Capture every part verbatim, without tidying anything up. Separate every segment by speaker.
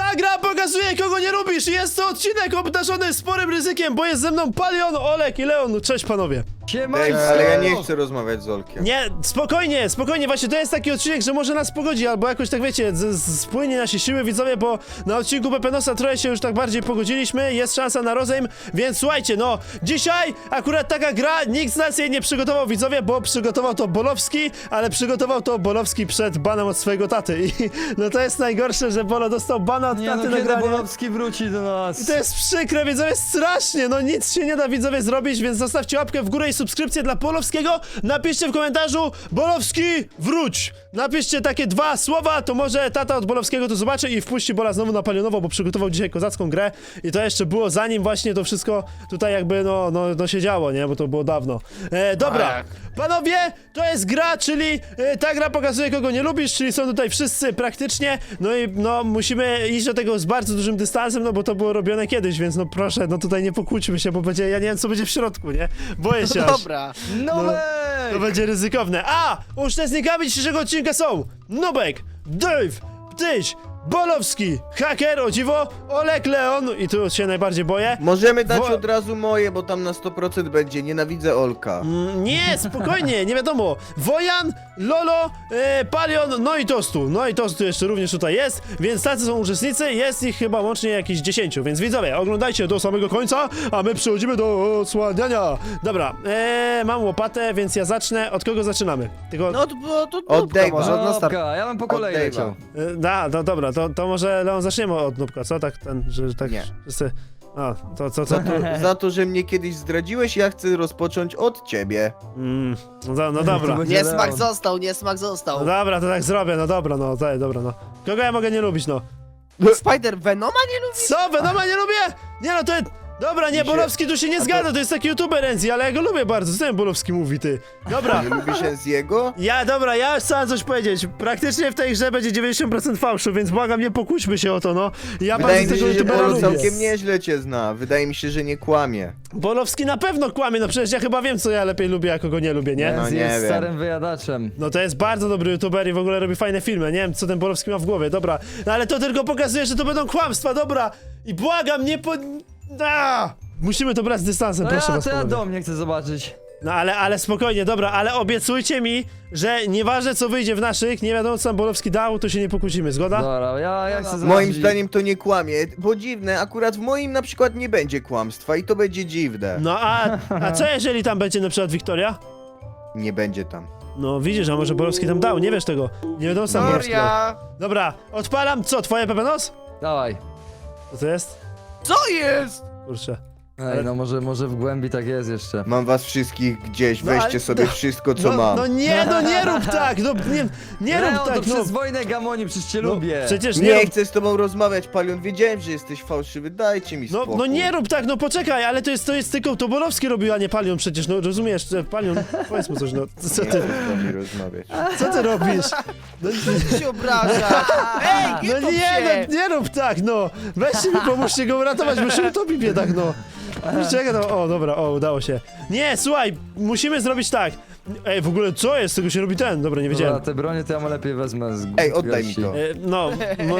Speaker 1: Ta gra pokazuje, kogo nie lubisz i jest to odcinek obdarzony sporym ryzykiem, bo jest ze mną Palion, Olek i Leon. Cześć panowie.
Speaker 2: Dave, ale ja nie chcę rozmawiać z Olkiem.
Speaker 1: Nie, spokojnie, spokojnie, właśnie to jest taki odcinek, że może nas pogodzi, albo jakoś tak wiecie, z, z, spłynie nasze siły widzowie, bo na odcinku Pepenosa trochę się już tak bardziej pogodziliśmy, jest szansa na rozejm, więc słuchajcie, no, dzisiaj akurat taka gra, nikt z nas jej nie przygotował widzowie, bo przygotował to Bolowski, ale przygotował to Bolowski przed banem od swojego taty i no to jest najgorsze, że Bolo dostał bana od
Speaker 3: Nie
Speaker 1: taty
Speaker 3: no,
Speaker 1: na
Speaker 3: kiedy
Speaker 1: granie.
Speaker 3: Bolowski wróci do nas?
Speaker 1: I to jest przykre, widzowie, strasznie, no nic się nie da widzowie zrobić, więc zostawcie łapkę w górę i subskrypcję dla Bolowskiego, napiszcie w komentarzu Bolowski, wróć! Napiszcie takie dwa słowa, to może tata od Bolowskiego to zobaczy i wpuści Bola znowu na Palionowo, bo przygotował dzisiaj kozacką grę i to jeszcze było zanim właśnie to wszystko tutaj jakby no, no, no się działo, nie, bo to było dawno. E, dobra,
Speaker 2: Tak.
Speaker 1: panowie, to jest gra, czyli e, ta gra pokazuje kogo nie lubisz, czyli są tutaj wszyscy praktycznie, no i no musimy iść do tego z bardzo dużym dystansem, no bo to było robione kiedyś, więc no proszę, no tutaj nie pokłóćmy się, bo będzie, ja nie wiem co będzie w środku, nie? Boję się aż.
Speaker 4: Dobra.
Speaker 3: Nowek!
Speaker 1: To będzie ryzykowne. A! Uczestnikami dzisiejszego odcinka są Nubek, Dave, Ptyś, Bolowski, Haker, o dziwo, Olek, Leon i tu się najbardziej boję.
Speaker 2: Możemy dać
Speaker 1: Wo-
Speaker 2: od razu moje, bo tam na sto procent będzie. Nienawidzę Olka.
Speaker 1: Mm, nie, spokojnie, nie wiadomo. Wojan, Lolo, e, Palion, no i Tostu. No i Tostu jeszcze również tutaj jest, więc tacy są uczestnicy, jest ich chyba łącznie jakieś dziesięciu, więc widzowie, oglądajcie do samego końca, a my przechodzimy do odsłaniania. Dobra, e, mam łopatę, więc ja zacznę. Od kogo zaczynamy? Tylko,
Speaker 4: No to, to, to
Speaker 2: Od
Speaker 4: Nubka
Speaker 2: Dave'a.
Speaker 4: może, na start.
Speaker 3: Nowka, ja bym po kolei
Speaker 2: Dave'a.
Speaker 3: leciał.
Speaker 1: E, da, no dobra, to, to może Leon zaczniemy od Nubka, co? Tak ten, że tak
Speaker 2: Nie.
Speaker 1: wszyscy... A, to co, co?
Speaker 2: Za to, za to, że mnie kiedyś zdradziłeś, ja chcę rozpocząć od ciebie.
Speaker 1: Mm, no, do- no dobra.
Speaker 3: To będzie
Speaker 4: Niesmak
Speaker 3: Leon.
Speaker 4: został, niesmak
Speaker 1: No
Speaker 4: został.
Speaker 1: dobra, to tak zrobię, no dobra, no, tak, dobra, no. Kogo ja mogę nie lubić, no?
Speaker 4: Spider Venoma nie lubi?
Speaker 1: Co? Venoma nie lubię? Nie no, to jest... Dobra, nie,
Speaker 2: Mi się-
Speaker 1: Bolowski tu się nie
Speaker 2: A to-
Speaker 1: zgadza, to jest taki youtuber Enzi, ale ja go lubię bardzo, co ten Bolowski mówi, ty? Dobra.
Speaker 2: Nie lubisz Enziego?
Speaker 1: Ja, dobra, ja już chciałem coś powiedzieć. Praktycznie w tej grze będzie dziewięćdziesiąt procent fałszu, więc błagam, nie pokłóćmy się o to, no. Ja
Speaker 2: Wydaje
Speaker 1: bardzo
Speaker 2: mi
Speaker 1: tego
Speaker 2: się, że
Speaker 1: youtubera
Speaker 2: Bolo
Speaker 1: lubię.
Speaker 2: całkiem nieźle cię zna. Wydaje mi się, że nie kłamie.
Speaker 1: Bolowski na pewno kłamie, no przecież ja chyba wiem, co ja lepiej lubię, a kogo nie lubię, nie?
Speaker 2: No
Speaker 3: Enzi
Speaker 2: nie
Speaker 3: jest
Speaker 2: wiem.
Speaker 3: starym wyjadaczem.
Speaker 1: No to jest bardzo dobry youtuber i w ogóle robi fajne filmy, nie wiem co ten Bolowski ma w głowie, dobra. No ale to tylko pokazuje, że to będą kłamstwa, dobra. I błagam, nie po... A! Musimy to brać z dystansem,
Speaker 3: No
Speaker 1: proszę
Speaker 3: ja,
Speaker 1: was,
Speaker 3: to ja
Speaker 1: panowie.
Speaker 3: dom nie chcę zobaczyć.
Speaker 1: No ale, ale spokojnie, dobra, ale obiecujcie mi, że nieważne co wyjdzie w naszych, nie wiadomo co tam Bolowski dał, to się nie pokłócimy, zgoda?
Speaker 3: Dobra, ja, ja chcę zobaczyć.
Speaker 2: Moim zdaniem to nie kłamie, bo dziwne, akurat w moim na przykład nie będzie kłamstwa i to będzie dziwne.
Speaker 1: No a, a co jeżeli tam będzie na przykład Wiktoria?
Speaker 2: Nie będzie tam.
Speaker 1: No widzisz, a może Bolowski tam dał, nie wiesz tego. Nie wiadomo co tam Bolowski dał.
Speaker 4: Gloria!
Speaker 1: Dobra, odpalam, co, twoje Pepenos?
Speaker 3: Dawaj.
Speaker 1: Co to jest?
Speaker 4: Co jest?
Speaker 1: Kurczę.
Speaker 3: Ej, no może, może w głębi tak jest jeszcze.
Speaker 2: Mam was wszystkich gdzieś,
Speaker 1: No, ale-
Speaker 2: weźcie sobie
Speaker 1: no,
Speaker 2: wszystko co
Speaker 1: No,
Speaker 2: mam.
Speaker 1: no nie, no nie rób tak, no nie, nie
Speaker 3: Leon,
Speaker 1: rób
Speaker 3: to
Speaker 1: tak, no.
Speaker 3: przez wojnę Gamoni, przecież cię
Speaker 1: No,
Speaker 3: lubię.
Speaker 1: przecież nie,
Speaker 2: Nie
Speaker 1: rób,
Speaker 2: chcę z tobą rozmawiać, Palion, wiedziałem, że jesteś fałszywy, dajcie mi
Speaker 1: no,
Speaker 2: spokój.
Speaker 1: no nie rób tak, no poczekaj, ale to jest, to jest tylko, to Bolowski robił, a nie Palion przecież, no rozumiesz, że Palion, powiedz mu coś, no, co
Speaker 2: Nie
Speaker 1: ty,
Speaker 2: chcę z wami rozmawiać.
Speaker 1: co ty robisz? No,
Speaker 4: Ty się obraża. Ej, nie
Speaker 1: no
Speaker 4: top
Speaker 1: nie,
Speaker 4: się.
Speaker 1: no nie rób tak, no, weźcie mi, pomóżcie go uratować, bo się utopi biedak, no. Czekaj, no, o, dobra, o, udało się. Nie, słuchaj, musimy zrobić tak. Ej, w ogóle co jest, z tego się robi ten, dobra, nie
Speaker 3: Dobra,
Speaker 1: wiedziałem.
Speaker 3: te bronie to ja mu lepiej wezmę z
Speaker 2: Ej, oddaj mi
Speaker 3: garści.
Speaker 2: to.
Speaker 1: E, No, mo-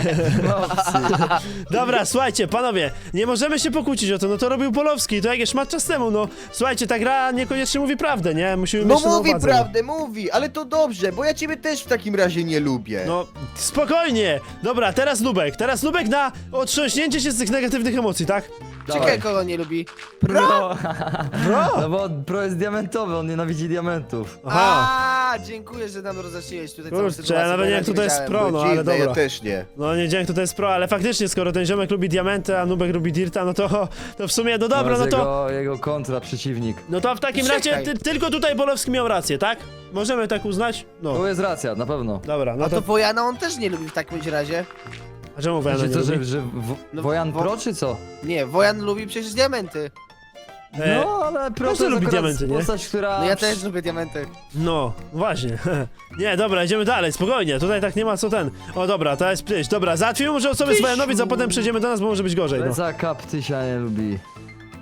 Speaker 1: dobra, słuchajcie, panowie, nie możemy się pokłócić o to, no to robił Polowski, to jakieś szmat czas temu, no. Słuchajcie, ta gra niekoniecznie mówi prawdę, nie? Musimy
Speaker 2: No
Speaker 1: mieć to na
Speaker 2: mówi
Speaker 1: uwadze.
Speaker 2: prawdę, mówi, ale to dobrze, bo ja ciebie też w takim razie nie lubię.
Speaker 1: No, spokojnie. Dobra, teraz Nubek, teraz Nubek na otrząśnięcie się z tych negatywnych emocji, tak?
Speaker 4: Czekaj, kogo nie lubi.
Speaker 3: Pro!
Speaker 1: Bro!
Speaker 3: No bo pro jest diamentowy, on nienawidzi diamentów.
Speaker 1: Aha,
Speaker 4: A, dziękuję, że nam rozjaśniłeś tutaj całą
Speaker 1: kurczę,
Speaker 4: sytuację.
Speaker 1: ja nawet
Speaker 4: bo
Speaker 1: nie
Speaker 4: ja
Speaker 1: wiem, kto to jest
Speaker 4: wiedziałem.
Speaker 1: pro, no ale
Speaker 2: Dziwne, ja
Speaker 1: dobra.
Speaker 2: też nie.
Speaker 1: No nie dzięki, to jest pro, ale faktycznie, skoro ten ziomek lubi diamenty, a Nubek lubi dirta, no to, to w sumie, no dobra,
Speaker 3: To
Speaker 1: no
Speaker 3: jest
Speaker 1: to...
Speaker 3: Jego, jego kontra, przeciwnik.
Speaker 1: No to w takim
Speaker 4: Czekaj.
Speaker 1: razie ty, tylko tutaj Bolowski miał rację, tak? Możemy tak uznać? No,
Speaker 3: Tu jest racja, na pewno.
Speaker 1: dobra, no
Speaker 4: A to
Speaker 1: to...
Speaker 4: Wojana on też nie lubi w takim razie.
Speaker 1: A czemu Wojana
Speaker 3: Znaczy
Speaker 1: nie
Speaker 3: to,
Speaker 1: lubi?
Speaker 3: że, że w,
Speaker 4: No,
Speaker 3: Wojan
Speaker 4: wo-
Speaker 3: Pro czy co?
Speaker 4: Nie, Wojan lubi przecież diamenty.
Speaker 1: E,
Speaker 3: No, ale Pro
Speaker 1: każdy
Speaker 3: to jest
Speaker 1: lubi
Speaker 3: akurat
Speaker 1: diamenty, nie?
Speaker 3: postać, która...
Speaker 4: No ja też lubię diamenty.
Speaker 1: No, właśnie. Nie, dobra, idziemy dalej, spokojnie, tutaj tak nie ma co ten. O dobra, to jest pryś, dobra, załatwimy może osoby z Wojanowic, a potem przejdziemy do nas, bo może być gorzej, no.
Speaker 3: Leca Kap Tysia nie lubi.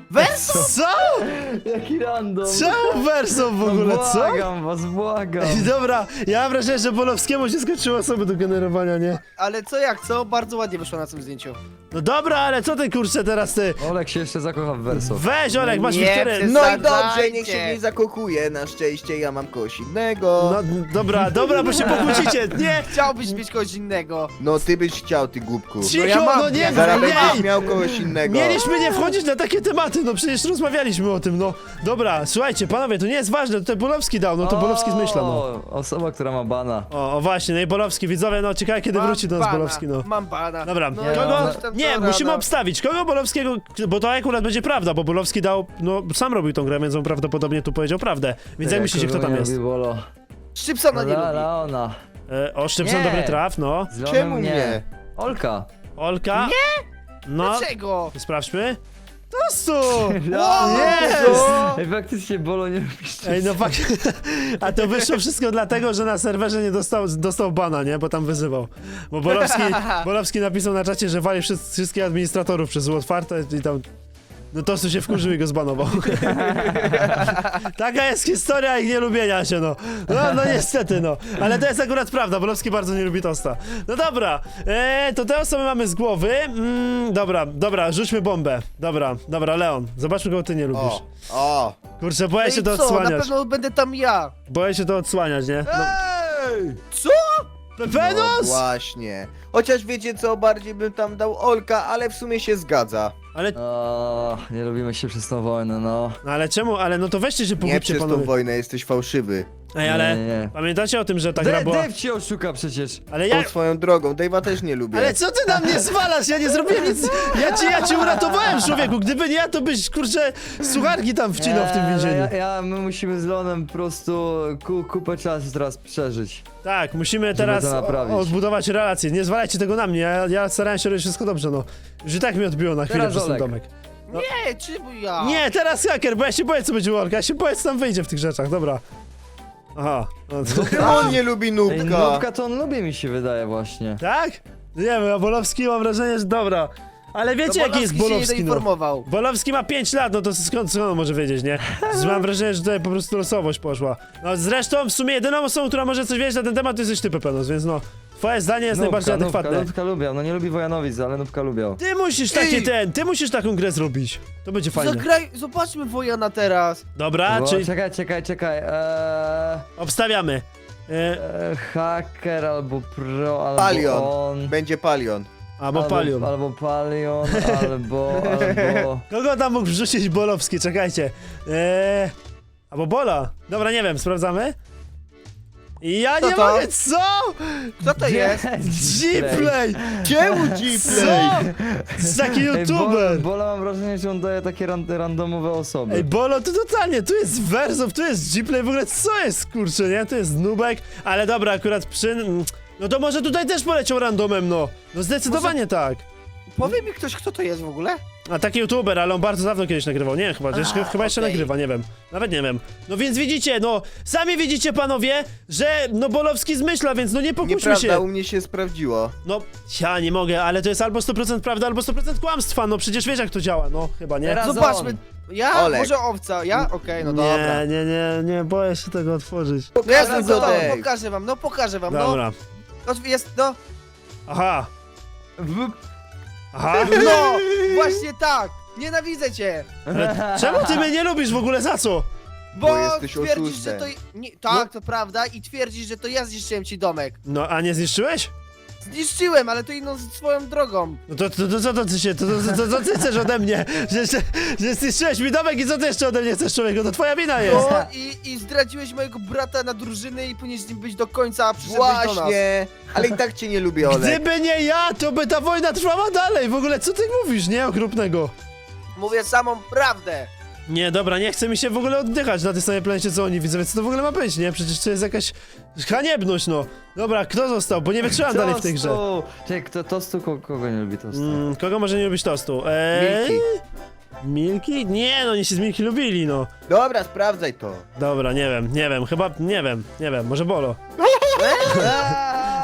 Speaker 4: Werso!
Speaker 1: Co?
Speaker 3: Jaki random.
Speaker 1: Czemu Verso w ogóle,
Speaker 3: no,
Speaker 1: co?
Speaker 3: błagam was, błagam.
Speaker 1: Ej, dobra, ja mam wrażenie, że Bolowskiemu się skończyły osoby do generowania, nie?
Speaker 4: Ale co jak co? Bardzo ładnie wyszło na tym zdjęciu.
Speaker 1: No dobra, ale co ty kurczę teraz ty?
Speaker 3: Olek się jeszcze zakocha w Verso.
Speaker 1: Weź Olek, masz
Speaker 4: Nie,
Speaker 1: Wiktorię.
Speaker 4: przez-
Speaker 2: No i
Speaker 4: Zadajcie.
Speaker 2: dobrze, niech się nie zakochuje. Na szczęście ja mam kogoś innego.
Speaker 1: No dobra, dobra, bo się pokłócicie, nie!
Speaker 4: Chciałbyś mieć kogoś innego.
Speaker 2: No ty byś chciał, ty głupku.
Speaker 1: Cicho,
Speaker 4: ja mam-
Speaker 1: no nie,
Speaker 4: ja
Speaker 2: Zaraz
Speaker 1: nie!
Speaker 2: będziesz miał kogoś innego.
Speaker 1: Mieliśmy nie wchodzić na takie tematy, no przecież rozmawialiśmy o tym, no. Dobra, słuchajcie, panowie, to nie jest ważne, to Bolowski dał, no to Bolowski zmyśla, no.
Speaker 3: O, osoba, która ma bana.
Speaker 1: O, o właśnie, no i Bolowski, widzowie, no ciekawe kiedy
Speaker 4: Mam
Speaker 1: wróci do nas
Speaker 4: bana,
Speaker 1: Bolowski, no.
Speaker 4: Mam bana.
Speaker 1: Dobra,
Speaker 4: no,
Speaker 3: Nie,
Speaker 1: kogo?
Speaker 3: no,
Speaker 4: coś tam
Speaker 1: Nie,
Speaker 4: to
Speaker 1: musimy
Speaker 4: rano.
Speaker 1: obstawić, kogo Bolowskiego, bo to akurat będzie prawda, bo Bolowski dał, no sam robił tą grę, więc on prawdopodobnie tu powiedział prawdę. Więc jak myślicie, kto tam
Speaker 3: nie
Speaker 1: jest?
Speaker 3: lubi Bolo.
Speaker 4: Szczypsona nie
Speaker 3: La,
Speaker 4: lubi.
Speaker 3: Leona.
Speaker 1: E, Oszczepson
Speaker 3: Nie.
Speaker 1: dobry traf, no.
Speaker 3: Z Leonem
Speaker 2: Czemu nie?
Speaker 3: Olka.
Speaker 1: Olka? Nie! No,
Speaker 4: Dlaczego?
Speaker 1: sprawdźmy. Tostu!
Speaker 3: Leon.
Speaker 1: Jest!
Speaker 3: Ej, faktycznie Bolo nie lubisz.
Speaker 1: Ej, no fakt. A to wyszło wszystko dlatego, że na serwerze nie dostał, dostał bana, nie? Bo tam wyzywał. Bo Bolowski, Bolowski napisał na czacie, że wali wszyscy, wszystkich administratorów przez zło otwarte i tam... No Tostu się wkurzył i go zbanował. Taka jest historia ich nielubienia się, no. No, no niestety, no. Ale to jest akurat prawda, Bolowski bardzo nie lubi Tosta. No dobra, eee, to te osoby mamy z głowy. Mm, dobra, dobra, rzućmy bombę. Dobra, dobra, Leon, zobaczmy, kogo ty nie lubisz.
Speaker 2: O, o.
Speaker 1: Kurczę, boję
Speaker 4: No
Speaker 1: się
Speaker 4: i
Speaker 1: to
Speaker 4: co? Na
Speaker 1: odsłaniać.
Speaker 4: pewno będę tam ja.
Speaker 1: Boję się to odsłaniać, nie? No.
Speaker 2: Ej!
Speaker 4: Co?
Speaker 2: No
Speaker 1: Pepenos!
Speaker 2: właśnie. Chociaż wiecie co, bardziej bym tam dał Olka, ale w sumie się zgadza.
Speaker 1: Ale,
Speaker 3: O, nie lubimy się przez tą wojnę, no.
Speaker 1: no ale czemu? Ale no to weźcie się
Speaker 2: Nie
Speaker 1: pogódźcie,
Speaker 2: przez tą
Speaker 1: panowie.
Speaker 2: wojnę, jesteś fałszywy.
Speaker 1: Ej, ale
Speaker 3: Nie, nie, nie.
Speaker 1: pamiętacie o tym, że ta gra
Speaker 3: Dave,
Speaker 1: była...
Speaker 3: Dave cię oszuka przecież.
Speaker 1: Ale
Speaker 2: Tą
Speaker 1: ja...
Speaker 2: swoją drogą, Dave'a też nie lubię.
Speaker 1: Ale co ty na mnie zwalasz? Ja nie zrobiłem nic. Ja cię, ja cię uratowałem, człowieku. Gdyby nie ja, to byś, kurczę, sucharki tam wcinał w tym
Speaker 3: Nie,
Speaker 1: więzieniu.
Speaker 3: Ja, ja, my musimy z Leonem po prostu ku, kupę czasu teraz przeżyć.
Speaker 1: Tak, musimy teraz
Speaker 3: to naprawić.
Speaker 1: o- odbudować relacje. Nie zwalajcie tego na mnie, ja, ja starałem się robić wszystko dobrze, no. Już i tak mi odbiło na chwilę
Speaker 3: Teraz
Speaker 1: przez ten
Speaker 3: Olek.
Speaker 1: domek. No.
Speaker 4: Nie, czemu ja?
Speaker 1: Nie, teraz haker, bo ja się boję, co będzie u Olka. Ja się boję, co tam wyjdzie w tych rzeczach, dobra. Aha. No, to...
Speaker 2: Czemu on nie lubi
Speaker 3: Ej,
Speaker 2: nubka?
Speaker 3: Nubka to on lubi, mi się wydaje właśnie.
Speaker 1: Tak? Nie wiem, a Bolowski mam wrażenie, że dobra. Ale wiecie,
Speaker 4: No
Speaker 1: jaki jest
Speaker 4: Bolowski się
Speaker 1: Bolowski,
Speaker 4: nie
Speaker 1: no?
Speaker 4: doinformował.
Speaker 1: Bolowski ma pięć lat, no to skąd, skąd on może wiedzieć, nie? Mam wrażenie, że tutaj po prostu losowość poszła. No zresztą w sumie jedyną osobą, która może coś wiedzieć na ten temat, to jesteś ty, Pepenos, więc no. Twoje zdanie jest najbardziej
Speaker 3: Nubka,
Speaker 1: adekwatne.
Speaker 3: Nubka lubiał, no nie lubi Wojanowic, ale Nubka lubiał.
Speaker 1: Ty musisz taki
Speaker 2: Ej!
Speaker 1: ten, ty musisz taką grę zrobić. To będzie fajne.
Speaker 4: Zagraj, zobaczmy Wojana teraz.
Speaker 1: Dobra,
Speaker 3: Bo,
Speaker 1: czyli
Speaker 3: Czekaj, czekaj, czekaj. Eee,
Speaker 1: obstawiamy. E,
Speaker 3: e, hacker albo pro, albo
Speaker 2: Palion.
Speaker 3: on.
Speaker 2: Będzie Palion.
Speaker 1: albo Palion.
Speaker 3: Albo Palion, albo, albo...
Speaker 1: Kogo tam mógł wrzucić Bolowski? Czekajcie. Eee, albo Bola. Dobra, nie wiem, sprawdzamy. I ja
Speaker 4: Co
Speaker 1: nie
Speaker 4: to?
Speaker 1: mogę, co?
Speaker 4: Kto to jest?
Speaker 1: G-Play!
Speaker 2: Czemu
Speaker 1: Co?
Speaker 2: G-Play?
Speaker 1: To jest taki
Speaker 3: Ej,
Speaker 1: youtuber!
Speaker 3: Bola, Bola mam wrażenie, że on daje takie ran, randomowe osoby.
Speaker 1: Ej, Bolo, to totalnie, tu jest Versow, tu jest G-Play, w ogóle co jest, kurczę, nie? Tu jest Nubek, ale dobra, akurat przy... No to może tutaj też poleciał randomem, no. No zdecydowanie tak.
Speaker 4: Powie mi ktoś, kto to jest w ogóle?
Speaker 1: A taki youtuber, ale on bardzo dawno kiedyś nagrywał, nie, chyba,
Speaker 4: A,
Speaker 1: jeszcze, chyba jeszcze
Speaker 4: okej.
Speaker 1: nagrywa, nie wiem, nawet nie wiem. No więc widzicie, no, sami widzicie panowie, że no Bolowski zmyśla, więc no nie pokłóćmy
Speaker 2: Nieprawda,
Speaker 1: się.
Speaker 2: u mnie się sprawdziło.
Speaker 1: No, ja nie mogę, ale to jest albo sto procent prawda, albo sto procent kłamstwa, no przecież wiesz jak to działa, no, chyba nie.
Speaker 3: Teraz
Speaker 4: Zobaczmy.
Speaker 3: on.
Speaker 4: Ja?
Speaker 2: Olek.
Speaker 4: Może owca? Ja? Okej, no dobra.
Speaker 1: Nie, nie, nie, nie, boję się tego otworzyć.
Speaker 4: No ja
Speaker 2: Pokażę
Speaker 4: no,
Speaker 2: go, Dave.
Speaker 4: pokażę wam, no pokażę wam,
Speaker 1: Dobra,
Speaker 4: no. No jest, no.
Speaker 1: aha,
Speaker 3: W...
Speaker 1: aha.
Speaker 4: No! Właśnie tak! Nienawidzę cię!
Speaker 1: Ale czemu ty mnie nie lubisz w ogóle, za co?
Speaker 4: Bo,
Speaker 2: Bo jesteś
Speaker 4: twierdzisz,
Speaker 2: oszustem.
Speaker 4: że to... Nie, tak, to prawda i twierdzisz, że to ja zniszczyłem ci domek.
Speaker 1: No, a nie zniszczyłeś?
Speaker 4: Zniszczyłem, ale to inną swoją drogą.
Speaker 1: No to, to, to co to ty się, to, to, to, to ty chcesz ode mnie? Że, że, że zniszczyłeś mi domek i co ty jeszcze ode mnie chcesz, człowieku? To twoja wina jest.
Speaker 4: No i, i zdradziłeś mojego brata na drużyny i powinieneś z nim być do końca, a przyszedłeś do nas.
Speaker 2: Właśnie, ale i tak cię nie lubię, Olek.
Speaker 1: Gdyby nie ja, to by ta wojna trwała dalej. W ogóle co ty mówisz, nie? Okropnego.
Speaker 4: Mówię samą prawdę.
Speaker 1: Nie, dobra, nie chce mi się w ogóle oddychać na tej samej planecie co oni, widzowie, co to w ogóle ma być, nie? Przecież to jest jakaś haniebność, no. Dobra, kto został? Bo nie wytrzymam dalej w tej grze.
Speaker 3: Tostu! Czekaj, kto tostu, kogo, kogo nie lubi tostu?
Speaker 1: Mm, kogo może nie lubić tostu? Eee,
Speaker 2: Milki.
Speaker 1: Milki? Nie, no oni się z Milki lubili, no.
Speaker 2: Dobra, sprawdzaj to.
Speaker 1: Dobra, nie wiem, nie wiem, chyba, nie wiem, nie wiem, może Bolo.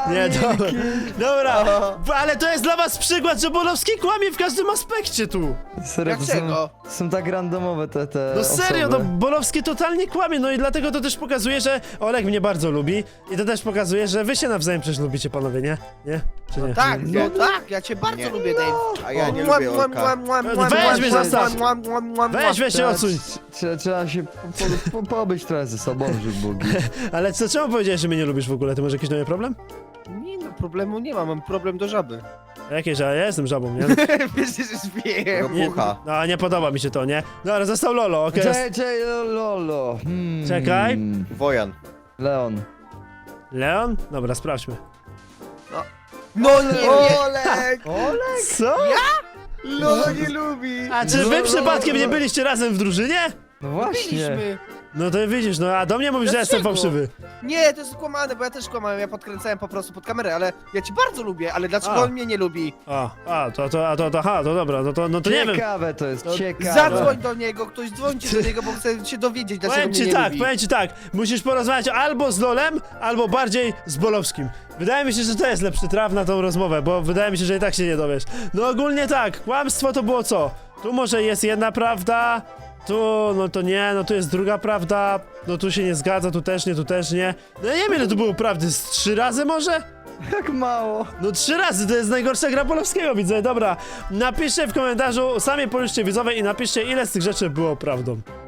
Speaker 1: Nie, dobra. Dobra,
Speaker 2: Aha.
Speaker 1: ale to jest dla was przykład, że Bolowski kłamie w każdym aspekcie tu.
Speaker 3: Serio, to są,
Speaker 4: Dlaczego?
Speaker 3: są tak randomowe te, te
Speaker 1: No serio, no
Speaker 3: osoby.
Speaker 1: Bolowski totalnie kłamie, no i dlatego to też pokazuje, że Olek mnie bardzo lubi i to też pokazuje, że wy się nawzajem przecież lubicie, panowie, nie? Nie? Czy nie?
Speaker 4: Tak,
Speaker 2: Nie.
Speaker 4: no tak, ja cię bardzo
Speaker 2: Nie.
Speaker 4: lubię, Dave.
Speaker 2: A ja nie
Speaker 4: Mua,
Speaker 2: lubię
Speaker 4: mua,
Speaker 2: Olka.
Speaker 4: mua, mua,
Speaker 1: Weź
Speaker 4: mua,
Speaker 1: mnie
Speaker 4: mua,
Speaker 1: zostaw.
Speaker 4: mua, mua, mua, mua.
Speaker 1: Weź, weź się
Speaker 3: Trzeba,
Speaker 1: odsuń.
Speaker 3: trzeba, trzeba się po, po, po, pobyć trochę ze sobą, żeby Bogi.
Speaker 1: Ale co, czemu powiedziałeś, że mnie nie lubisz w ogóle? Ty masz jakiś nowy problem?
Speaker 4: Nie no, problemu nie mam, mam problem do żaby.
Speaker 1: A Jakie, że ja jestem żabą, nie?
Speaker 4: Wiesz, że już wiem.
Speaker 1: Nie,
Speaker 2: Ropucha.
Speaker 1: no, nie podoba mi się to, nie? Dobra, został Lolo, okej.
Speaker 3: Czekaj, czekaj, lolo. Hmm.
Speaker 1: Czekaj.
Speaker 2: Wojan.
Speaker 3: Leon.
Speaker 1: Leon? Dobra, sprawdźmy.
Speaker 4: No nie wiem.
Speaker 2: Olek!
Speaker 1: Co?
Speaker 2: Lolo nie lubi!
Speaker 1: A czy wy
Speaker 3: Lolo,
Speaker 1: przypadkiem nie
Speaker 3: Lolo.
Speaker 1: byliście razem w drużynie?
Speaker 3: No właśnie.
Speaker 4: Byliśmy.
Speaker 1: No to widzisz, no a do mnie mówisz, że jestem
Speaker 4: Dlaczego?
Speaker 1: fałszywy.
Speaker 4: Nie, to jest kłamane, bo ja też kłamałem, ja podkręcałem po prostu pod kamerę, ale ja cię bardzo lubię, ale dlaczego
Speaker 1: A.
Speaker 4: on mnie nie lubi?
Speaker 1: A, a, to, to, a, to, to, aha, to dobra, no to, no to nie wiem.
Speaker 3: Ciekawe to jest,
Speaker 1: To
Speaker 3: ciekawe.
Speaker 4: Zadzwoń do niego, ktoś dzwońcie do niego, bo chcę się dowiedzieć, dlaczego
Speaker 1: Powiem
Speaker 4: mnie
Speaker 1: ci
Speaker 4: nie
Speaker 1: tak,
Speaker 4: lubi.
Speaker 1: powiem ci tak, musisz porozmawiać albo z Lolem, albo bardziej z Bolowskim. Wydaje mi się, że to jest lepszy traf na tą rozmowę, bo wydaje mi się, że i tak się nie dowiesz. No ogólnie tak, kłamstwo to było co? Tu może jest jedna prawda, tu, no to nie, no tu jest druga prawda, no tu się nie zgadza, tu też nie, tu też nie. No ja nie wiem, ile tu było prawdy, z trzy razy może?
Speaker 3: Jak mało.
Speaker 1: No trzy razy, to jest najgorsza gra Bolowskiego, widzę, dobra. Napiszcie w komentarzu, sami policzcie widzowie i napiszcie, ile z tych rzeczy było prawdą.